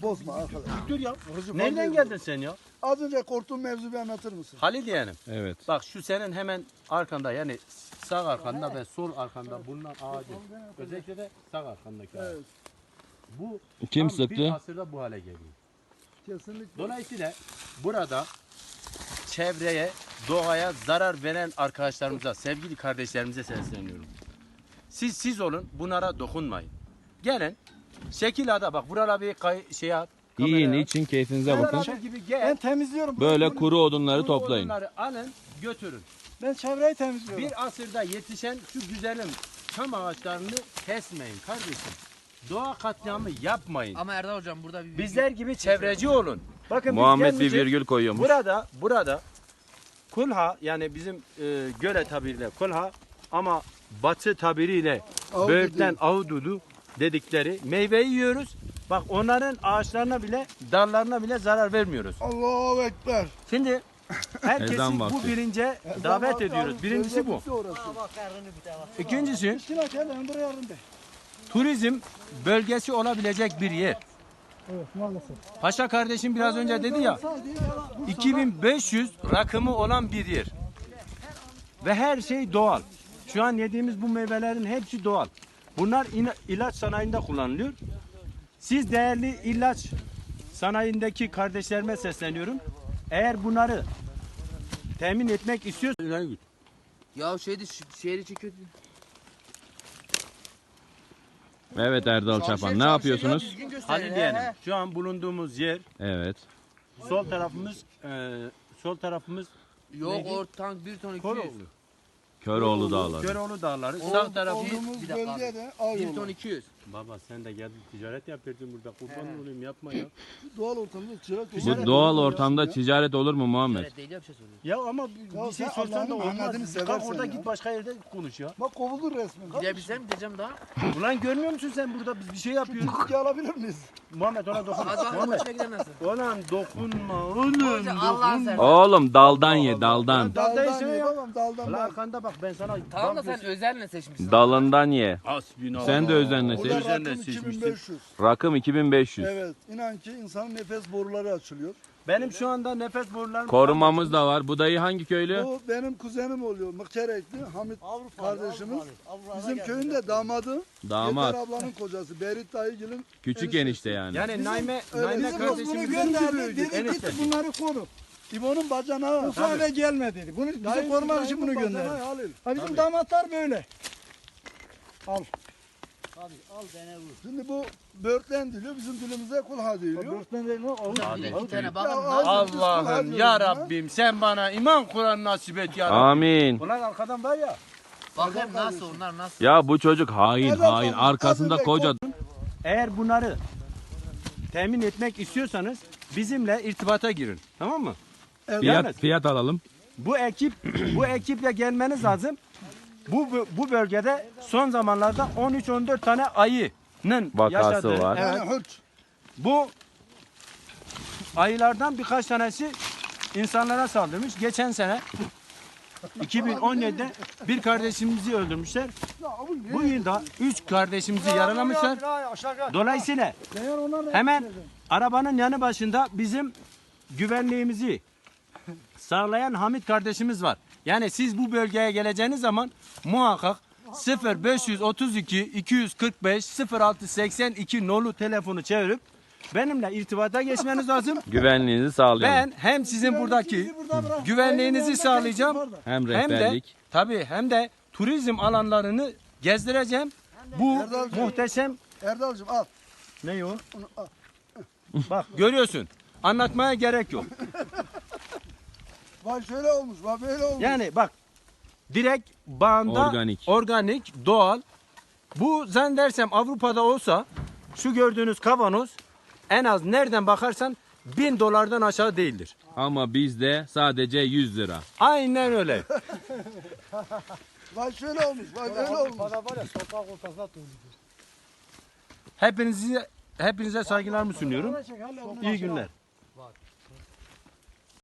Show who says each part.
Speaker 1: bozma arkadaş.
Speaker 2: Dur ya.
Speaker 1: Kırıcı
Speaker 2: Nereden
Speaker 1: falan
Speaker 2: geldin
Speaker 1: değil.
Speaker 2: sen ya?
Speaker 1: Az önce korktuğun mevzuyu bir anlatır mısın?
Speaker 2: Halil yeğenim.
Speaker 3: Evet.
Speaker 2: Bak şu senin hemen arkanda yani sağ arkanda ve sol arkanda bulunan ağacın. Özellikle de sağ arkandaki ağaç.
Speaker 1: Evet.
Speaker 2: Bu
Speaker 3: Kim
Speaker 2: tam bir
Speaker 3: sıktı?
Speaker 2: asırda bu hale geliyor.
Speaker 1: Kesinlikle.
Speaker 2: Dolayısıyla burada çevreye, doğaya zarar veren arkadaşlarımıza, sevgili kardeşlerimize sesleniyorum. Siz olun, bunlara dokunmayın. Gelin, şekilada bak buralara bir şey at.
Speaker 3: Yiyin,
Speaker 2: kameraya at.
Speaker 3: için keyfinize
Speaker 2: Beraber
Speaker 3: bakın.
Speaker 2: gibi gel.
Speaker 1: Ben temizliyorum.
Speaker 3: Böyle
Speaker 1: Bunu-
Speaker 3: kuru odunları
Speaker 2: Bu
Speaker 3: toplayın.
Speaker 2: odunları alın, götürün.
Speaker 1: Ben çevreyi temizliyorum.
Speaker 2: Bir asırda yetişen şu güzelim çam ağaçlarını kesmeyin kardeşim. Doğa katliamı yapmayın.
Speaker 4: Ama Erdal hocam burada bir
Speaker 2: Bizler gibi çevreci olun. Bakın biz
Speaker 3: Muhammed bir
Speaker 2: gelmeyeceğiz.
Speaker 3: virgül koyuyormuş.
Speaker 2: Burada kulha yani bizim göle tabiriyle kulha ama batı tabiriyle
Speaker 1: Ahududu.
Speaker 2: böğürtlen ahududu dedikleri meyveyi yiyoruz. Bak onların ağaçlarına bile dallarına bile zarar vermiyoruz.
Speaker 1: Allahu Ekber.
Speaker 2: Şimdi herkesi
Speaker 3: Ezan
Speaker 2: bu
Speaker 3: vakti.
Speaker 2: bilince davet ediyoruz. Birincisi bu. İkincisi
Speaker 1: Şuna gel ben buraya yardım de.
Speaker 2: turizm bölgesi olabilecek bir yer.
Speaker 1: Evet maalesef.
Speaker 2: Paşa kardeşim biraz önce dedi ya 2500 rakımı olan bir yer. Ve her şey doğal. Şu an yediğimiz bu meyvelerin hepsi doğal. Bunlar ilaç sanayinde kullanılıyor. Siz değerli ilaç sanayindeki kardeşlerime sesleniyorum. Eğer bunları temin etmek istiyorsanız
Speaker 4: ya şehri çekiyor.
Speaker 3: Evet Erdal Çapan. Ne yapıyorsunuz?
Speaker 2: Halil diyelim. Şu an bulunduğumuz yer
Speaker 3: Evet.
Speaker 2: sol tarafımız
Speaker 4: Yok
Speaker 2: Neydi?
Speaker 4: o tank 1 ton 200.
Speaker 2: Koroğlu.
Speaker 3: Köroğlu Dağları.
Speaker 2: Köroğlu Dağları. Sağ tarafı
Speaker 1: Olduğumuz
Speaker 4: Bir dakika
Speaker 1: bölgede
Speaker 4: abi.
Speaker 1: av
Speaker 4: 1 ton
Speaker 1: yolu.
Speaker 4: 200.
Speaker 2: Baba sen de geldin ticaret yapıyordun burada. Kurban olayım yapma ya.
Speaker 1: Doğal ortamda çırak.
Speaker 3: Bu doğal ortamda ticaret olur mu Muhammed?
Speaker 4: Evet değil ya bir şey soruyor.
Speaker 2: Ya ama bir
Speaker 1: Ya
Speaker 2: şey
Speaker 1: sen
Speaker 2: sorsan da
Speaker 1: Allah'ın
Speaker 2: olmaz.
Speaker 1: Muhammed'ini
Speaker 2: Kalk
Speaker 1: seversen
Speaker 2: orada
Speaker 1: ya.
Speaker 2: git başka yerde konuş ya.
Speaker 1: Bak kovulur resmen.
Speaker 4: Gidebilsem gideceğim daha.
Speaker 2: Ulan görmüyor musun sen burada biz bir şey yapıyoruz.
Speaker 1: Bitki alabilir miyiz?
Speaker 2: Muhammed ona dokunma.
Speaker 4: Hadi bakın
Speaker 2: Muhammed.
Speaker 4: başına gider nasıl?
Speaker 2: Ulan dokunma oğlum.
Speaker 4: Hocam Allah'ın sen.
Speaker 3: Oğlum daldan ye daldan.
Speaker 2: Daldan
Speaker 1: Daldan
Speaker 2: ye
Speaker 1: ye
Speaker 2: ya.
Speaker 1: babam daldan
Speaker 2: Ulan
Speaker 1: bak.
Speaker 2: arkanda bak ben sana.
Speaker 4: Tamam da sen özenle seçmişsin.
Speaker 3: Dalından ye.
Speaker 2: Hasbinallah.
Speaker 3: Sen de özenle
Speaker 1: Burada
Speaker 3: seç.
Speaker 2: Özenle
Speaker 1: rakım
Speaker 2: seçmişsin.
Speaker 1: 2500.
Speaker 3: Rakım 2500.
Speaker 1: Evet. İnan ki insanın nefes boruları açılıyor.
Speaker 2: Benim şu anda nefes borularım.
Speaker 3: Korumamız da var. Bu dayı hangi köylü?
Speaker 1: Bu benim kuzenim oluyor. Mıkkerekli Hamit kardeşimiz. Bizim köyün de damadı.
Speaker 3: Damat.
Speaker 1: Yeter ablanın kocası. Berit dayıgil'in
Speaker 3: Küçük enişte yani.
Speaker 2: Yani Naime
Speaker 1: Bizim bunu
Speaker 2: kardeşimiz
Speaker 1: gönderdi. Dedi
Speaker 2: enişte.
Speaker 1: git bunları koru. İbo'nun bacanağı.
Speaker 5: Bu eve gelme dedi. Bunu bize korumak için bunu gönderdi.
Speaker 1: Halil.
Speaker 5: Ha bizim damatlar böyle.
Speaker 1: Şimdi bu börtlen diliyor. Bizim dilimize kulha diliyor.
Speaker 5: Börtlen değil mi? Oğuz.
Speaker 4: Bir de 2 tane
Speaker 1: Ya
Speaker 4: bakın.
Speaker 2: Allah'ım ya Rabbim sen bana iman Kur'an nasip et ya Rabbim.
Speaker 3: Amin.
Speaker 2: Ulan arkadan var ya.
Speaker 4: Bakayım nasıl onlar nasıl.
Speaker 3: Ya bu çocuk hain hain. Arkasında koca.
Speaker 2: Eğer bunları temin etmek istiyorsanız bizimle irtibata girin. Tamam mı?
Speaker 3: Fiyat alalım.
Speaker 2: Bu ekiple gelmeniz lazım. Bu bölgede son zamanlarda 13-14 tane ayının
Speaker 3: Vakası
Speaker 2: yaşadığı.
Speaker 3: var.
Speaker 2: Evet.
Speaker 1: Yani hırç.
Speaker 2: Bu ayılardan birkaç tanesi insanlara saldırmış. Geçen sene 2017'de bir kardeşimizi öldürmüşler. Bu yılda 3 kardeşimizi yaralamışlar. Dolayısıyla hemen arabanın yanı başında bizim güvenliğimizi sağlayan Hamit kardeşimiz var. Yani siz bu bölgeye geleceğiniz zaman muhakkak 0532 245 0682 nolu telefonu çevirip benimle irtibata geçmeniz lazım.
Speaker 3: Güvenliğinizi sağlayalım.
Speaker 2: Ben hem sizin buradaki güvenliğinizi sağlayacağım
Speaker 3: Hem
Speaker 2: hem de
Speaker 3: rehberlik.
Speaker 2: tabii hem de turizm alanlarını gezdireceğim. Bu
Speaker 1: Erdalcığım.
Speaker 2: muhteşem
Speaker 1: Erdal'cığım al.
Speaker 2: ne o?
Speaker 1: Onu al.
Speaker 2: Bak görüyorsun. Anlatmaya gerek yok.
Speaker 1: Bak şöyle olmuş. Bak böyle olmuş.
Speaker 2: Yani bak direkt bağında organik, doğal. Bu zannedersem Avrupa'da olsa şu gördüğünüz kavanoz en az nereden bakarsan $1000'dan aşağı değildir.
Speaker 3: Ama bizde sadece 100 lira.
Speaker 2: Aynen öyle.
Speaker 1: Bak şöyle olmuş. Bak böyle olmuş.
Speaker 5: Bana var ya sokak ortasına doğru.
Speaker 2: Hepinize saygılarımı sunuyorum. İyi günler.